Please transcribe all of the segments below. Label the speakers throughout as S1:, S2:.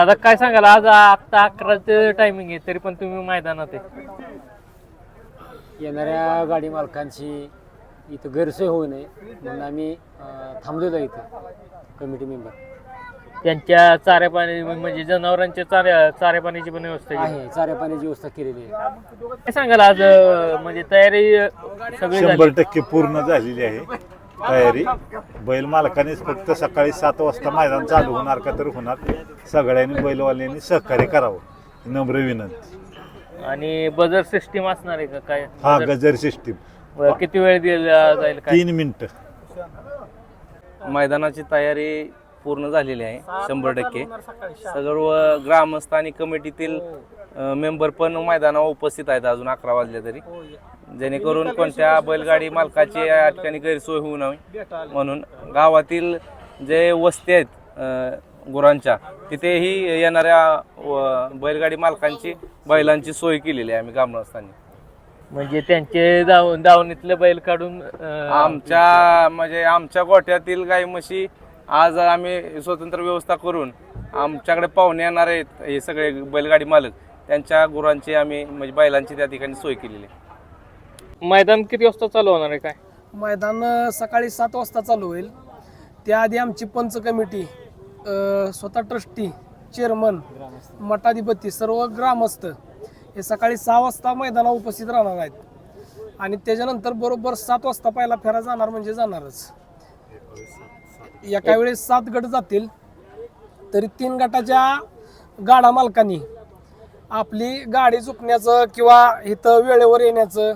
S1: आता काय सांगाल, आज आता 11चं टायमिंग आहे तरी पण तुम्ही मैदानात आहे.
S2: येणाऱ्या गाडी मालकांची इथं गैरसोय होऊ नये म्हणून आम्ही थांबलेलो इथं कमिटी मेंबर.
S1: त्यांच्या चाऱ्या पाणी म्हणजे जनावरांच्या चाऱ्या पाण्याची पण व्यवस्था केली
S2: आहे, चाऱ्या पाण्याची व्यवस्था केलेली आहे.
S1: काय सांगाल आज म्हणजे तयारी सगळी झाली?
S3: 100% पूर्ण झालेली आहे तयारी. बैल मालकानेच फक्त सकाळी 7 वाजता मैदान चालू होणार का तर होणार. सगळ्यांनी बैलवाल्यांनी सहकार्य करावं नम्र विनंती.
S1: आणि बजर सिस्टीम असणार आहे का काय?
S3: हा गजर सिस्टीम.
S1: किती वेळ दिला जाईल काय?
S3: 3 मिनिटं.
S4: मैदानाची तयारी पूर्ण झालेली आहे 100%. सर्व ग्रामस्थ आणि कमिटीतील मेंबर पण मैदानावर उपस्थित आहेत अजून 11 वाजले तरी, जेणेकरून कोणत्या बैलगाडी मालकाची या ठिकाणी गैरसोय होऊ नये म्हणून गावातील जे वस्ती आहेत गुरांच्या तिथेही येणाऱ्या बैलगाडी मालकांची बैलांची सोय केलेली आहे आम्ही ग्रामस्थांनी.
S1: म्हणजे त्यांचे दावणीतले बैल काढून
S4: आमच्या गोठ्यातील गाई म्हशी आज आम्ही स्वतंत्र व्यवस्था करून आमच्याकडे पाहुणे येणार आहेत हे सगळे बैलगाडी मालक, त्यांच्या गुरांची आम्ही म्हणजे बैलांची त्या ठिकाणी सोय केलेली आहे.
S1: मैदान किती वाजता चालू होणार आहे काय?
S5: मैदान सकाळी 7 वाजता चालू होईल. त्याआधी आमची पंच कमिटी, स्वतः ट्रस्टी, चेअरमन, मठाधिपती, सर्व ग्रामस्थ हे सकाळी 6 वाजता मैदानावर उपस्थित राहणार आहेत. आणि त्याच्यानंतर बरोबर 7 वाजता पहिला फेरा जाणार म्हणजे जाणारच. एका वेळेस 7 गट जातील तरी 3 गटाच्या गाडा मालकांनी आपली गाडी चुकण्याचं किंवा इथं वेळेवर येण्याचं.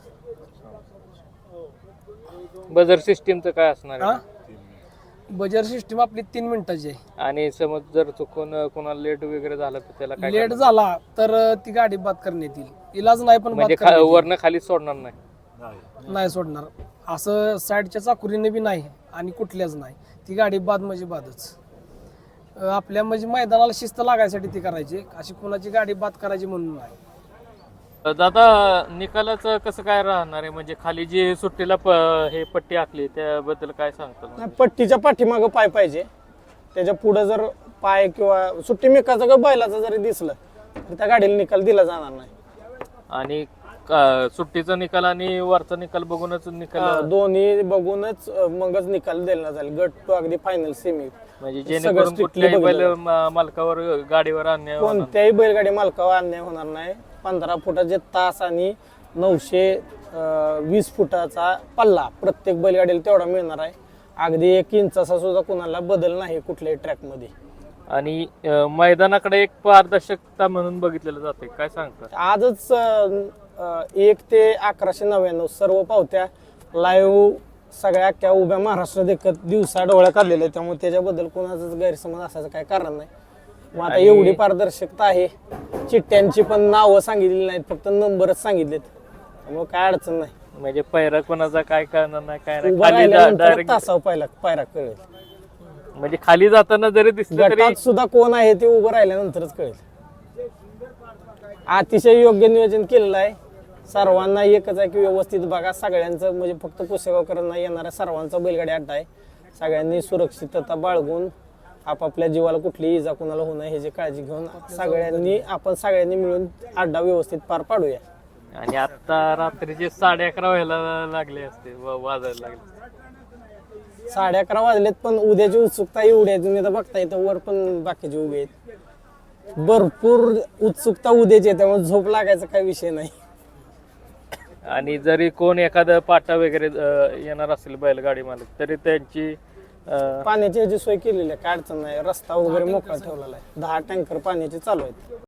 S1: बजर सिस्टीमचं काय असणार आहे?
S5: बजर सिस्टीम आपली 3 मिनिटाची आहे.
S1: आणि समज जर चुकून कोणाला लेट वगैरे झालं तर त्याला काय
S5: लेट झाला तर ती गाडी बाद करण्यात येईल. इलाज नाही पण
S1: म्हणजे वरनं खाली सोडणार नाही?
S5: नाही सोडणार. असं साईडच्या चाकुरीने बी नाही आणि कुठल्याच नाही. ती गाडी बाद म्हणजे बादच. आपल्या म्हणजे मैदानाला शिस्त लागायसाठी ती करायची, अशी कोणाची गाडी बाद करायची म्हणून नाही.
S1: दादा निकालाचं कसं काय राहणार आहे? म्हणजे खाली जी सुट्टीला हे पट्टी आखली त्याबद्दल काय सांगतो?
S6: पट्टीच्या पाठीमागं पाय पाहिजे, त्याच्या पुढे जर पाय किंवा सुट्टी मेकाचा का बैलाचा जरी दिसलं तर त्या गाडीला निकाल दिला जाणार नाही.
S1: आणि सुट्टीचा निकाल आणि वरचा निकाल बघूनच निकाल
S6: दोन्ही बघूनच मगच निकाल दिला जाईल. गट टू अगदी फायनल सेमी.
S1: म्हणजे जेणेकरून कुठल्याही बैल मालकावर गाडीवर अन्याय
S6: कोणत्याही बैलगाडी मालकावर अन्याय होणार नाही. 15 फुटाचे तास आणि 920 फुटाचा पल्ला प्रत्येक बैलगाडीला तेवढा मिळणार आहे. अगदी 1 इंचाचा सुद्धा कुणाला बदल नाही कुठल्याही ट्रॅक मध्ये.
S1: आणि मैदानाकडे एक पारदर्शकता म्हणून बघितलेलं जाते, काय सांगतात?
S6: आजच 1 ते 1199 सर्व पावत्या लाईव्ह सगळ्या अख्ख्या उभ्या महाराष्ट्र देखत दिवसा डोळ्या काढलेल्या आहेत. त्यामुळे त्याच्याबद्दल कोणाचाच गैरसमज असायचं काही कारण नाही. मग आता एवढी पारदर्शकता आहे. चिठ्ठ्यांची पण नावं सांगितलेली नाहीत, फक्त नंबरच सांगितलेत. त्यामुळे काय अडचण नाही.
S1: म्हणजे पैरा कोणाचा काय करणार नाही, काय
S6: उभा राहिल्यानंतर तासावर पायरा कळेल.
S1: म्हणजे खाली जाताना जरी दिसलं तरी
S6: गटात सुद्धा कोण आहे ते उभं राहिल्यानंतरच कळेल. अतिशय योग्य नियोजन केलेलं आहे. सर्वांना एकच आहे की व्यवस्थित बघा. सगळ्यांचं म्हणजे फक्त पुसेगावकरांना येणाऱ्या सर्वांचा बैलगाडी अड्डा आहे. सगळ्यांनी सुरक्षितता बाळगून आपापल्या जीवाला कुठलीही इजा कुणाला होणं ह्याची काळजी घेऊन सगळ्यांनी मिळून अड्डा व्यवस्थित पार पाडूया.
S1: आणि आता रात्रीचे 11:30 व्हायला लागले असते, वाजायला लागले.
S6: 11:30 वाजलेत पण उद्याची उत्सुकता एवढी आहे. तुम्ही आता बघता येतं वर पण बाकीचे उभे आहेत. भरपूर उत्सुकता उद्याची आहे, त्यामुळे झोप लागायचा काही विषय नाही.
S1: आणि जरी कोण एखादं पाटा वगैरे येणार असेल बैलगाडी मालक तरी त्यांची
S6: पाण्याची ह्याची सोय केलेली आहे, काय अडचण नाही. रस्ता वगैरे मोकळा ठेवलेला आहे. 10 टँकर पाण्याचे चालू आहेत.